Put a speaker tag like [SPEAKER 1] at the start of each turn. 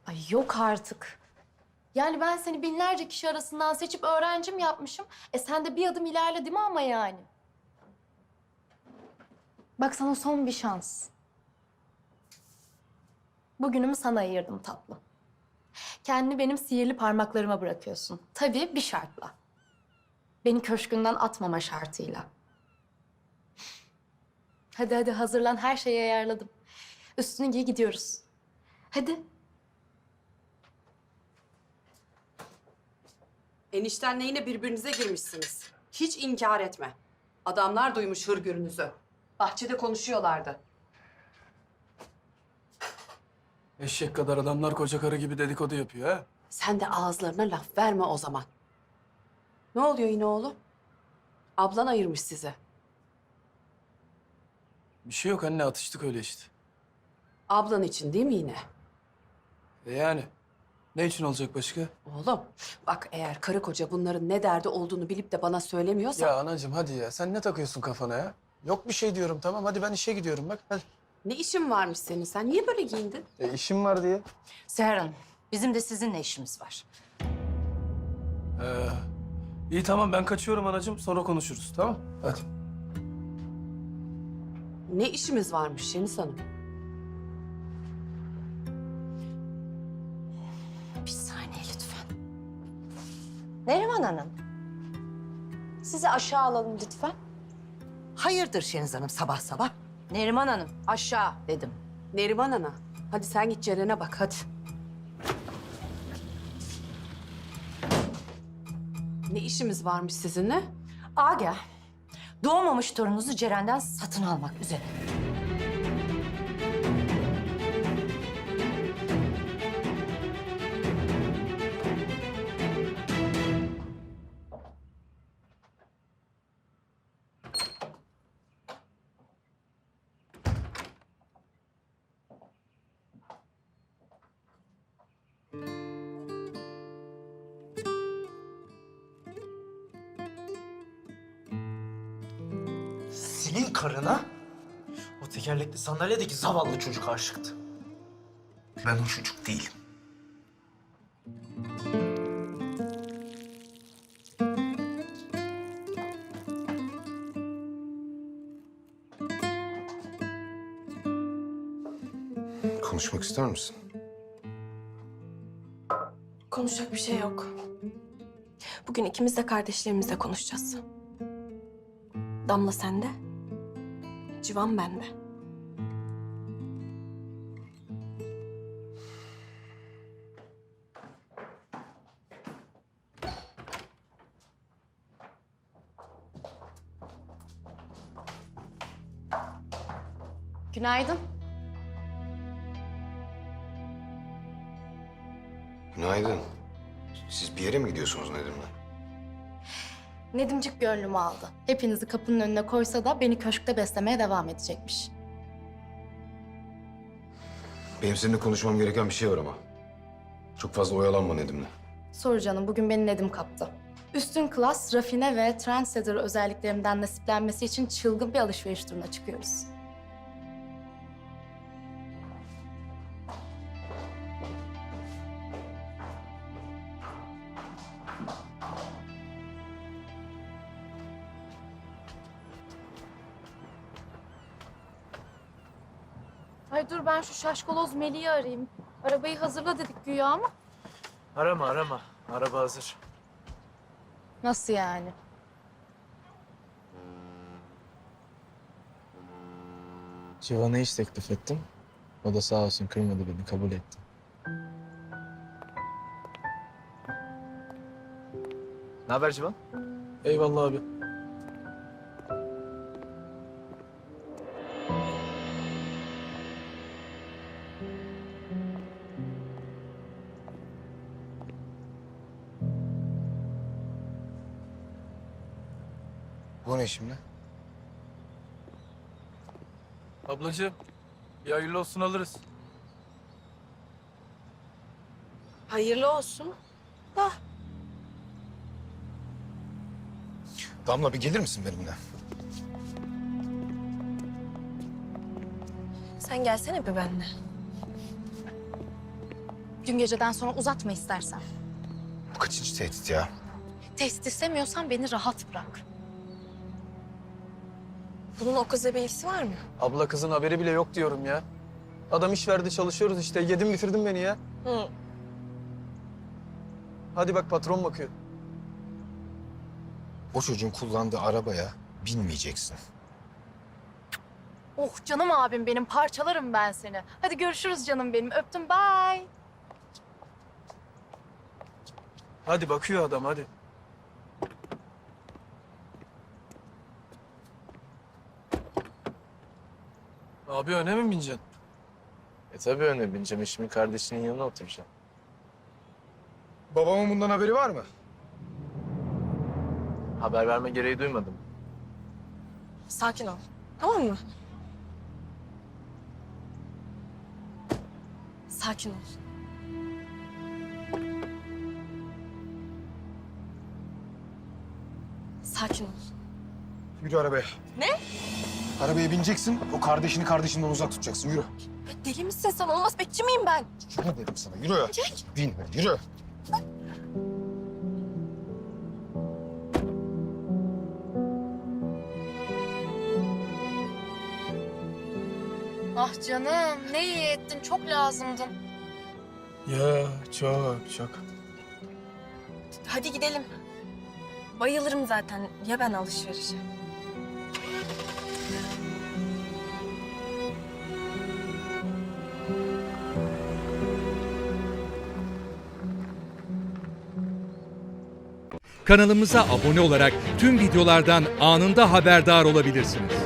[SPEAKER 1] Ay yok artık. Yani ben seni binlerce kişi arasından seçip öğrencim yapmışım. Sen de bir adım ilerle değil mi ama yani? Bak sana son bir şans. Bugünümü sana ayırdım tatlım. Kendini benim sihirli parmaklarıma bırakıyorsun. Tabii bir şartla. Beni köşkünden atmama şartıyla. Hadi hadi hazırlan, her şeyi ayarladım. Üstünü giy, gidiyoruz. Hadi.
[SPEAKER 2] Eniştenle yine birbirinize girmişsiniz. Hiç inkar etme. Adamlar duymuş hırgürünüzü. Bahçede konuşuyorlardı.
[SPEAKER 3] Eşek kadar adamlar koca karı gibi dedikodu yapıyor ha.
[SPEAKER 2] Sen de ağızlarına laf verme o zaman. Ne oluyor yine oğlum? Ablan ayırmış sizi.
[SPEAKER 3] Bir şey yok anne, atıştık öyle işte.
[SPEAKER 2] Ablan için değil mi yine?
[SPEAKER 3] Yani ne için olacak başka?
[SPEAKER 2] Oğlum bak, eğer karı koca bunların ne derdi olduğunu bilip de bana söylemiyorsa...
[SPEAKER 3] Ya anacığım hadi ya, sen ne takıyorsun kafana ya? Yok bir şey diyorum, tamam hadi ben işe gidiyorum bak hadi.
[SPEAKER 2] Ne işin varmış senin? Sen niye böyle giyindin?
[SPEAKER 3] İşim var diye.
[SPEAKER 4] Seher Hanım, bizim de sizinle işimiz var.
[SPEAKER 3] İyi tamam ben kaçıyorum anacığım, sonra konuşuruz tamam? Hadi.
[SPEAKER 2] Ne işimiz varmış Şeniz Hanım?
[SPEAKER 4] Bir saniye lütfen. Neriman Hanım, sizi aşağı alalım lütfen.
[SPEAKER 5] Hayırdır Şeniz Hanım sabah sabah?
[SPEAKER 4] Neriman Hanım, aşağı dedim.
[SPEAKER 2] Neriman Ana, hadi sen git Ceren'e bak hadi. Ne işimiz varmış sizinle?
[SPEAKER 4] Agah, doğmamış torununuzu Ceren'den satın almak üzere.
[SPEAKER 6] Senin karına o tekerlekli sandalyedeki zavallı çocuk aşıktı. Ben o çocuk değilim.
[SPEAKER 7] Konuşmak ister misin?
[SPEAKER 8] Konuşacak bir şey yok. Bugün ikimiz de kardeşlerimizle konuşacağız. Damla sende, Civan bende.
[SPEAKER 1] Günaydın.
[SPEAKER 7] Günaydın. Siz bir yere mi gidiyorsunuz Nedim'le?
[SPEAKER 1] Nedimcik gönlümü aldı. Hepinizi kapının önüne koysa da beni köşkte beslemeye devam edecekmiş.
[SPEAKER 7] Benim seninle konuşmam gereken bir şey var ama. Çok fazla oyalanma Nedim'le.
[SPEAKER 1] Soru canım, bugün beni Nedim kaptı. Üstün klas, rafine ve trendsetter özelliklerimden nasiplenmesi için çılgın bir alışveriş turuna çıkıyoruz. Ay dur, ben şu şaşkaloz Melih'i arayayım. Arabayı hazırla dedik güya ama.
[SPEAKER 6] Arama arama. Araba hazır.
[SPEAKER 1] Nasıl yani?
[SPEAKER 9] Civan'a iş teklif ettim. O da sağ olsun kırmadı beni, kabul etti.
[SPEAKER 6] Ne haber Civan?
[SPEAKER 3] Eyvallah abi.
[SPEAKER 7] Bu ne şimdi?
[SPEAKER 3] Ablacığım bir hayırlı olsun alırız.
[SPEAKER 8] Hayırlı olsun.
[SPEAKER 7] Damla bir gelir misin benimle?
[SPEAKER 8] Sen gelsene bir benimle.
[SPEAKER 1] Dün geceden sonra uzatma istersen.
[SPEAKER 7] Bu kaçıncı tehdit ya?
[SPEAKER 1] Tehdit istemiyorsan beni rahat bırak.
[SPEAKER 8] Bunun o kızla bir ilgisi var mı?
[SPEAKER 3] Abla kızın haberi bile yok diyorum ya. Adam iş verdi çalışıyoruz işte. Yedin bitirdin beni ya.
[SPEAKER 8] Hı.
[SPEAKER 3] Hadi bak patron bakıyor.
[SPEAKER 7] O çocuğun kullandığı arabaya binmeyeceksin.
[SPEAKER 1] Oh canım abim benim, parçalarım ben seni. Hadi görüşürüz canım benim. Öptüm, bye.
[SPEAKER 3] Hadi bakıyor adam hadi. Abi öne mi bineceksin?
[SPEAKER 9] Tabii öne bineceğim. Eşimin kardeşinin yanına oturacağım.
[SPEAKER 7] Babamın bundan haberi var mı?
[SPEAKER 9] Haber verme gereği duymadım.
[SPEAKER 8] Sakin ol. Tamam mı? Sakin ol. Sakin ol.
[SPEAKER 7] Yürü arabaya.
[SPEAKER 8] Ne?
[SPEAKER 7] Arabaya bineceksin, o kardeşini kardeşinden uzak tutacaksın. Yürü.
[SPEAKER 8] Deli misin sen? Olmaz, bekçi miyim ben?
[SPEAKER 7] Yürü dedim sana, yürü. Bin, yürü.
[SPEAKER 1] Ah canım, ne iyi ettin. Çok lazımdın.
[SPEAKER 3] Ya çok.
[SPEAKER 8] Hadi gidelim. Bayılırım zaten. Ya ben alışverişe?
[SPEAKER 10] Kanalımıza abone olarak tüm videolardan anında haberdar olabilirsiniz.